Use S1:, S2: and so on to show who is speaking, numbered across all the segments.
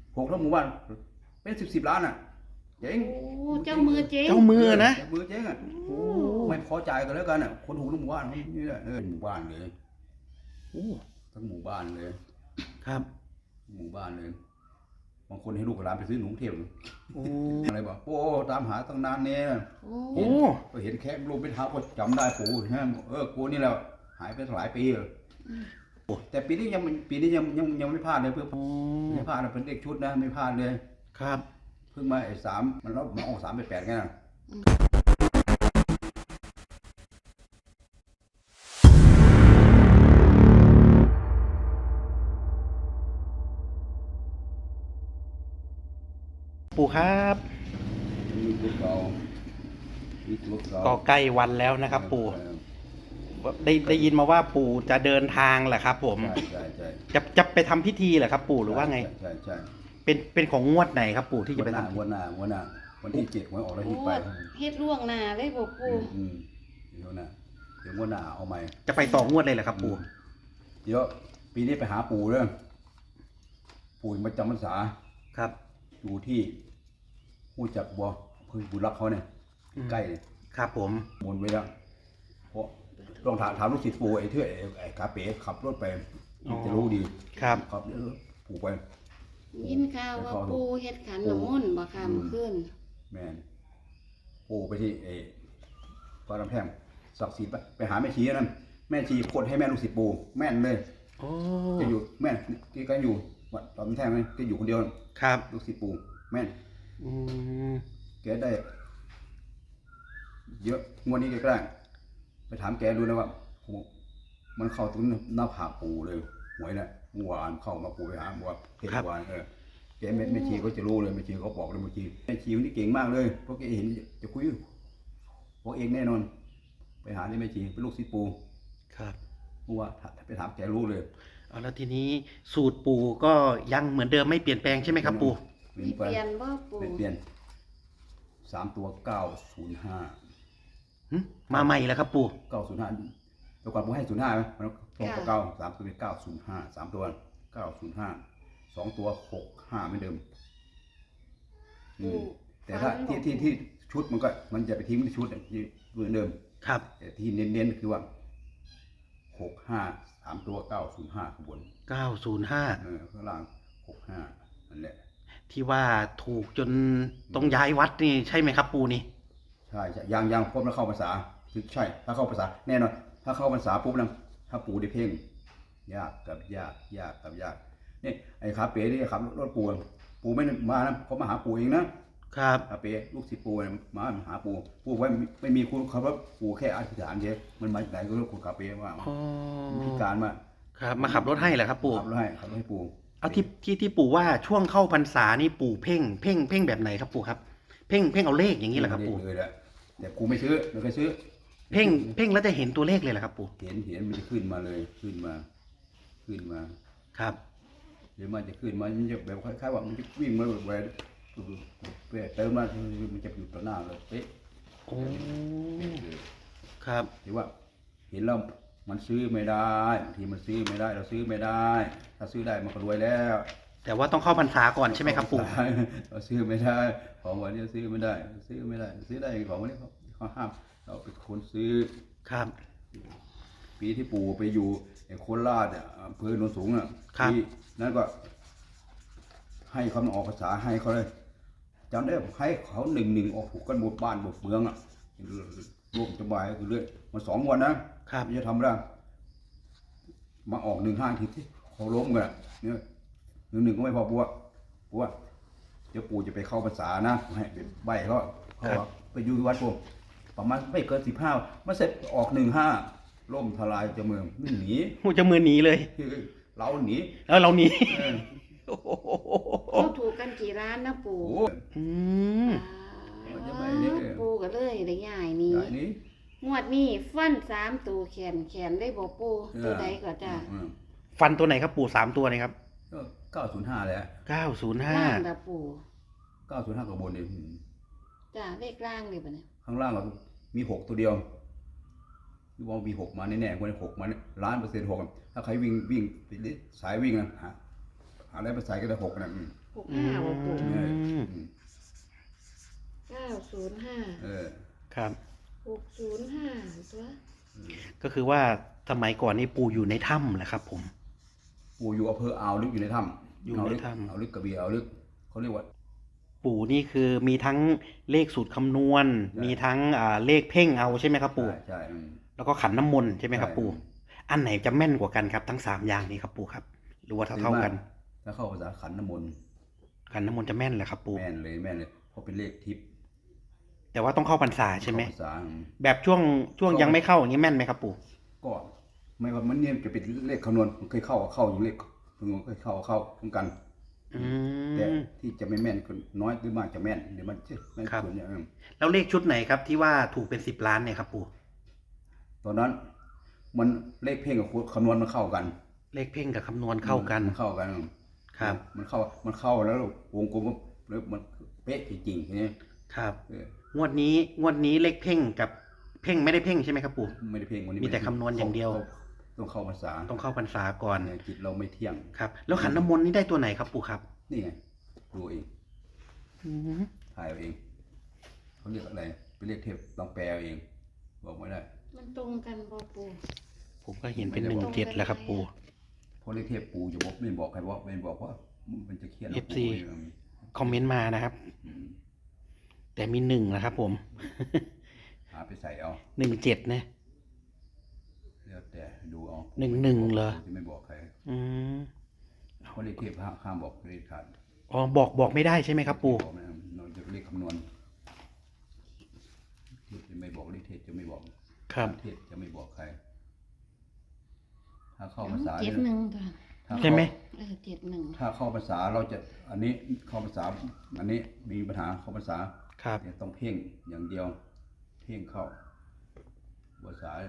S1: ถูกทั้งหมู่บ้านเป็นสิบล้านอ่ะเจ๊ง
S2: เจ้ามือเจ๊ง
S3: เจ้ามือนะ
S1: เจ้ามือเจ๊งอ่ะไม่พอใจกันแล้วกันอ่ะคนถูกทั้งหมู่บ้านนี่แหละหมู่บ้านเลยทั้งหมู่บ้านเลย
S3: ครับ
S1: หมู่บ้านเลยบางคนให้ลูกหลานไปซื้อหนูเทียมอะไรบอกโอ้ตามหาตั้งนานเนี่ยก็เห็นแค่ลูกเป็นเท้าก็จำได้ปู่ใช่ไหมกูนี่แหละหายไปหลายปีเลยแต่ปีนี้ยังไม่พลาดเลยเพื่อไม่พลาดนะเป็นเด็กชุดนะไม่พลาดเลย
S3: ครับ
S1: เพิ่งมา3มันรับมาออก3 ไป 8ไงนะ
S3: ปู่ครับก็ใกล้วันแล้วนะครับปู่ได้ยินมาว่าปู่จะเดินทางแหละครับผมจะไปทำพิธีเหรอครับปู่หรือว่าไง
S1: ใช่
S3: เป็นของงวดไหนครับปู่ที่จะไปทำ
S1: วันหน้าวันที่7วันออกแล้วที่ไป
S2: เฮ็ดล่วงหน้าเลยบ่ปู่
S1: เดี๋ยววันหน้าเอาใหม่
S3: จะไป2 งวดเลยเหรอครับปู่
S1: เดี๋ยวปีนี้ไปหาปู่เรื่องปู่มาจำพรรษา
S3: ครับ
S1: อยู่ที่ผู้จักบัวเพิ่งบุญรักเขาเนี่ยใกล้เลย
S3: ครับผม
S1: มนไว้แล้วเพราะลองถามลูกศิษย์ปู่ไอ้เทื่อไอ้กาเป๋ขับรถไปจะรู้ดี
S3: ครับ
S1: ปู่ไป
S2: ยินข่าวว่าปู่เฮ็ดขันน้ำมนต์บ่ค่ะเมื่อคืน
S1: แม่นปู่ไปที่ฟ้าลำแพงศักดิ์สิทธิ์ไปหาแม่ชีนั่นแม่ชีโคตรให้แม่ลูกศิษย์ปู่แม่นเลยจะอยู่แม่ที่กันอยู่วัดฟ้าลำแพงไหมจะอยู่คนเดียว
S3: ครับ
S1: ลูกศิษย์ปู่แม่นแกได้เยอะงวดนี้แกก็ได้ไปถามแกดูนะว่ามันเข้าตรงหน้าผากปู่เลยหวยเนี่ยเมื่อวานเข้ามาปู่ไปหาบอกว่าเทศวานแกแม่ชีก็จะรู้เลยแม่ชีเขาบอกเลยแม่ชีคนนี้เก่งมากเลยเพราะแกเห็นจะคุยบอกเองแน่นอนไปหาที่แม่ชีเป็นลูกศิษย์ปู่
S3: ครับ
S1: เพราะว่าไปถามแกรู้เลย
S3: แล้วทีนี้สูตรปู่ก็ยังเหมือนเดิมไม่เปลี่ยนแปลงใช่ไหมครับปู่
S2: เปลี่ยนบ่ปู่
S1: เปลี่ยน3 ตัว905
S3: มาใหม่แล้วครับปู่
S1: 905ตัวก่อนปู่ให้05ไหมมันตรงกับ3ตัวเป็น905 3ตัว905 2ตัว65เหมือนเดิมแต่ถ้าที่ชุดมันจะไปทิ้งที่ชุดเหมือนเดิม
S3: ครับ
S1: แต่ที่เน้นๆคือว่า65 3ตัว905ข้างบน
S3: 905
S1: ข้างล่าง65นั่นแหละ
S3: ที่ว่าถูกจนต้องย้ายวัดนี่ใช่ไหมครับปู่นี่
S1: ใช่ยังพบแล้วเข้าภาษาคือใช่ถ้าเข้าภาษาแน่นอนถ้าเข้าภาษาปุ๊บนะถ้าปู่ได้เพ่งยากกับยากนี่ไอ้ขาเป๋นี่ขับรถปู่ไม่มานะเขามาหาปู่เองนะครับขาเป๋ลูกศิษย์ปู่มาหาปู่ไว้ไม่มีคุณเขาว่าปู่แค่อธิษฐานเฉยมันมาไหนก็เรื่องคุณขาเป๋ว่าพิการมา
S3: ครับมาขับรถให้เหรอครับปู่
S1: ขับรถให้ปู่
S3: เอาที่ปู่ว่าช่วงเข้าพรรษานี่ปู่เพ่งแบบไหนครับปู่ครับเพ่งเอาเลขอย่างนี้เหรอครับปู่
S1: เลยแหละแต่กูไม่ซื้อไม่เคยซื้อ
S3: เพ่งแล้วจะเห็นตัวเลขเลยเหรอครับปู่
S1: เห็นมันจะขึ้นมาเลยขึ้นมา
S3: ครับ
S1: เดี๋ยวมันจะขึ้นมามันจะแบบคล้ายๆว่ามันจะวิ่งมาแบบเติมมามันจะอยู่ต่อหน้าเลยเป๊ะ
S3: โอ้ครับ
S1: ที่ว่าเห็นแล้วมันซื้อไม่ได้บางทีมันซื้อไม่ได้เราซื้อไม่ได้ถ้าซื้อได้มันก็รวยแล้ว
S3: แต่ว่าต้องเข้าพรรษาก่อนใช่ไหมครับปู่
S1: เราซื้อไม่ได้ของวันนี้ซื้อไม่ได้ซื้อได้ของวันนี้เขาห้ามเราเป็นคนซื้อ
S3: ครับ
S1: ปีที่ปู่ไปอยู่โคราชอำเภอโนนสูงที่นั้นก็ให้เขาออกภาษาให้เขาเลยจำได้ให้เขา1-1ออกถูกกันหมดบ้านหมดเมืองร่วมสบายคือเรื่อยมา2 วันนะครับจะทำได้มาออก15ทีที่เขาล้มกันเนี่ย1-1ก็ไม่พอปู่เดี๋ยวปู่จะไปเข้าภาษานะให้ใบเขาไปอยู่วัดปู่ประมาณไม่เกิน15มาเสร็จออก15ล่มทลายจะเมืองหนี
S3: จะมือหนีเลย
S1: เราหนี
S3: แล้วเราหนี
S2: เขาถูกกันกี่ร้านนะปู่ปู่ก็เลยได้ใหญ่นี้งวดนี้ฟัน3ตัวแขนได้บ่ปู่ตัวใดก็จ้า
S3: ฟันตัวไหนครับปู่3ตัวนี่ครับ
S1: 905แหละ
S3: 905
S2: ล่างนะปู่
S1: 905กับบนนี่
S2: จ้าเลขล่างเลยป่ะเนี่ย
S1: ข้างล่างก็มี6ตัวเดียวที่ว่ามี6มาแน่ๆคน6มา1,000,000% 6ถ้าใครวิ่งสายวิ่งนะอะไรมาใส่ก็ได้6นะ
S2: 65บ่ปู่
S1: เนี่ย
S2: 905
S3: ครับ
S2: 605ตัว
S3: ก็คือว่าสมัยก่อนนี่ปู่อยู่ในถ้ำแหละครับผม
S1: ปู่อยู่อำเภออ่าวลึกอยู่ในถ้ำ
S3: อยู่ในถ้ำ
S1: อ่าวลึกกระบี่อ่าวลึกเขาเรียกว่า
S3: ปู่นี่คือมีทั้งเลขสูตรคำนวณ
S1: ใช่
S3: มีทั้งเลขเพ่งเอาใช่ไหมครับปู่
S1: ใช่
S3: แล้วก็ขันน้ำมนต์ใช่ไหมครับ
S1: ใช่
S3: ปู่ อันไหนจะแม่นกว่ากันครับทั้ง3อย่างนี้ครับปู่ครับ หรือว่าเท่าๆกัน
S1: ถ้าเข้าภาษาขันน้ำมนต์
S3: ขันน้ำมนต์จะแม่นเหรอครับปู่
S1: แม่นเลยเพราะเป็นเลขทิพย์
S3: แต่ว่าต้องเข้าพรรษาใช่ไหม
S1: เข้าภาษา
S3: แบบช่วงยังไม่เข้าอย่างนี้แม่นไหมครับปู่
S1: ก็ไม่ว่ามันเนี่ยจะเป็นเลขคำนวณมันเคยเข้าอยู่เลขคำนวณเคยเข้าเหมือนกัน
S3: อื
S1: แต่
S3: ม
S1: ที่จะไม่แม่นก็น้อยหรือมากจะแม่นเดี๋ยวมันจะแม่น
S3: ครับ
S1: ส่วนใหญ่
S3: แล้วเลขชุดไหนครับที่ว่าถูกเป็น10 ล้านเนี่ยครับปู่
S1: ตอนนั้นมันเลขเพ่งกับคำนวณมันเข้ากัน
S3: เลขเพ่งกับคำนวณเข้ากัน
S1: มันเข้ากัน
S3: ครับ
S1: มันเข้าแล้ววงกลมแล้วมันเป๊ะจริงๆทีนี้
S3: ครับ
S1: เออ
S3: งวดนี้เลขเพ่งกับเพ่งไม่ได้เพ่งใช่ไหมครับปู่
S1: ไม่ได้เพ่งวันนี้
S3: มีแต่คำนวณอย่างเดียว
S1: ต้องเข้าภาษา
S3: ต้องเข้าพรรษาก่อน
S1: เนี่ยจิตเราไม่เที่ยง
S3: ครับ แล้วขันน้ำมนต์นี่ได้ตัวไหนครับปู่ครับ
S1: นี่ไงดูเอง
S3: อืม
S1: ถ่ายเอาเองเขาเรียกอะไรเป็นเลขเทพลองแปลเอาเอง บอกไม่ได้
S2: มันตรงกันบ่ปู่
S3: ผมก็เห็นเป็น17แล้วครับปู่
S1: เพราะเลขเทพปูจะบอกไม่บอกใครว่าไม่บอกว่ามันจะเครียด
S3: FC คอมเมนต์มานะครับ
S1: อืม
S3: แต่มี1นะครับผม
S1: หาไปใส่เอา
S3: 17นะ
S1: แล้วแต่ดูเอา
S3: 11เหรอ
S1: จะไม่บอกใคร
S3: อืม
S1: เพราะเลขเทพห้ามบอกเลขขาด
S3: อ๋อบอกไม่ได้ใช่ไหมครับปู่
S1: บอกไม่ได้เราจะเลขคำนวณเทพจะไม่บอกเลขเทพจะไม่บอก
S3: ครับ
S1: เทพจะไม่บอกใคร ถ้าเข้าภาษา
S2: 71
S1: เนี่ย
S2: ตัว
S1: ถ้าเข้า
S3: ใช่ไหม
S2: 71
S1: ถ้าเข้าภาษาเราจะอันนี้เข้าภาษาอันนี้มีปัญหาเข้าภาษา
S3: ครับ
S1: เนี่ยต้องเพ่งอย่างเดียว เพ่งเข้าภาษา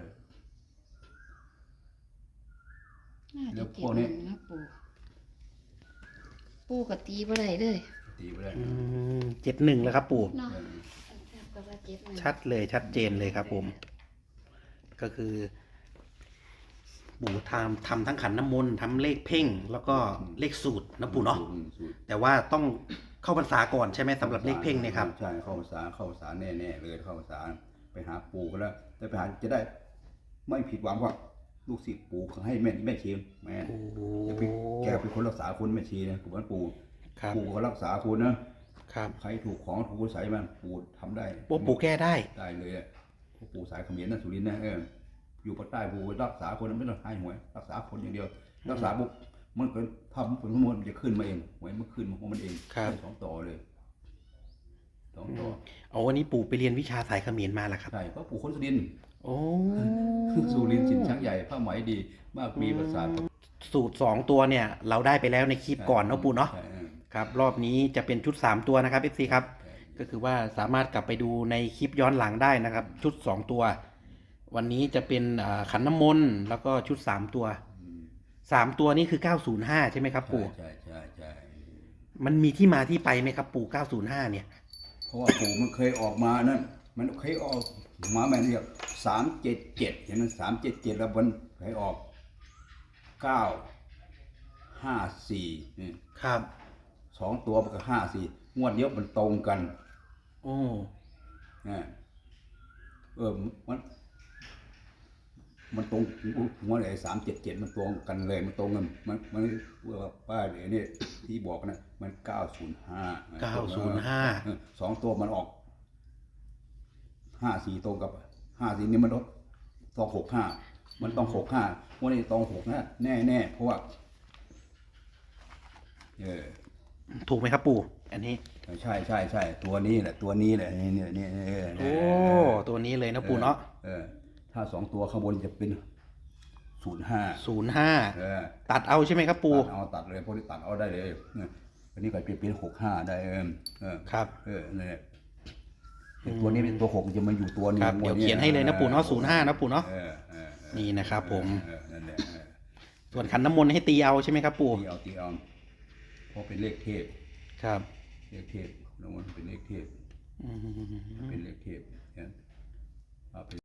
S2: น่า
S1: แล้
S2: จะ
S1: วพวกนี้
S2: 71นะปู่ก็ตีบ่ได้เลย
S1: ตีไปได้
S3: 71แล้วครับปู่
S2: เนาะแทบก็ว่า71
S3: ชัดเลยชัดเจนเลยครับผม ก็คือปู่ทำทั้งขันน้ำมนต์ทำเลขเพ่ง แล้วก็เลขสูตรนะปู่เนาะ
S1: สูตร
S3: แต่ว่าต้องเข้าพรรษาก่อนใช่ไหมสำหรับเลขเพ่งเนี่ยครับ
S1: ใช่เข้าภาษาแน่ๆเลยเข้าภาษาไปหาปู่ก็แล้วแต่ไปหาจะได้ ไม่ผิดหวังว่าลูกศิษย์ปู่เขาให้แม่ชีแม่
S3: โอ้โห
S1: แกเป็นคนรักษาคนแม่ชีนะปู่ว่าปู่
S3: ครับ
S1: ปู่ก็รักษาคุณนะครับ ใครถูกของถูกคุณใส่มันปู่ทำได้
S3: ปู่แก้ได้
S1: ได้เลยอ่ะเพราะปู่สายเขมรนะสุรินทร์นะอยู่ภาคใต้ปู่รักษาคนไม่ต้องให้หวยรักษาคนอย่างเดียว รักษาปุ๊บมันก็ทำผลสมมติมันจะขึ้นมาเองหวยมันขึ้นมาของมันเอง
S3: ครับ
S1: ได้2 ต่อเลย2 ต่อ
S3: เอาวันนี้ปู่ไปเรียนวิชาสายเขมรมาแล้วครับ
S1: ใช่เพราะปู่คนสุรินทร์
S3: โอ้
S1: สุรินทร์สินช้างใหญ่ผ้าไหมดี มากมีประสาท
S3: สูตร2ตัวเนี่ย เราได้ไปแล้วในคลิปก่อนเนาะปู่เนาะ
S1: ใช่
S3: ครับ รอบนี้จะเป็นชุด3ตัวนะครับ FC ครับ ก็คือว่าสามารถกลับไปดูในคลิปย้อนหลังได้นะครับ ชุด2ตัว วันนี้จะเป็นขันน้ำมนต์แล้วก็ชุด3ตัว3ตัวนี้คือ905ใช่ไหมครับ ปู่
S1: ใช่
S3: มันมีที่มาที่ไปไหมครับปู่905เนี่ย
S1: เพราะว่าปู่มันเคยออกมานั่นมันเคยออกมาแม่เรียก377เห็นไหม377แล้วมันเคยออก954นี่
S3: ครับ
S1: 2 ตัวมันก็54งวดเดียวมันตรงกัน
S3: โอ้
S1: นะมันตรงหัวไหน377มันตรงกันเลยมันตรงกันมันว่าป้าเดี๋ยวนี้ที่บอกนะมัน905 2 ตัวมันออก54ตรงกับ54นี่มันต้อง65มันต้อง65วันนี้ต้อง65แน่เพราะว่า
S3: ถูกไหมครับปู่อันนี้
S1: ใช่ตัวนี้แหละนี่
S3: โอ้ตัวนี้เลยนะปู่เนาะ
S1: ถ้า2 ตัวข้างบนจะเป็น05
S3: ตัดเอาใช่ไหมครับปู่
S1: ตัดเลยพวกนี้ตัดเอาได้เลยอันนี้ก็เปลี่ยน65ได้
S3: ครับ
S1: นี่นแหละตัวนี้เป็นตัว6จะมาอยู่ตัวนี้
S3: ครับเดี๋ยวเขียนให้เลยนะปู่เนาะ05นะปู่เนาะนี่นะครับผม
S1: นั่นแหละ
S3: ส่วนขันน้ำมนต์ให้ตีเอาใช่ไหมครับปู่
S1: ตีเอาเพราะเป็นเลขเทพ
S3: ครับ
S1: เลขเทพน้องมันเป็นเลขเทพ
S3: อืม
S1: เป็นเลขเทพเนี่ยเอาไป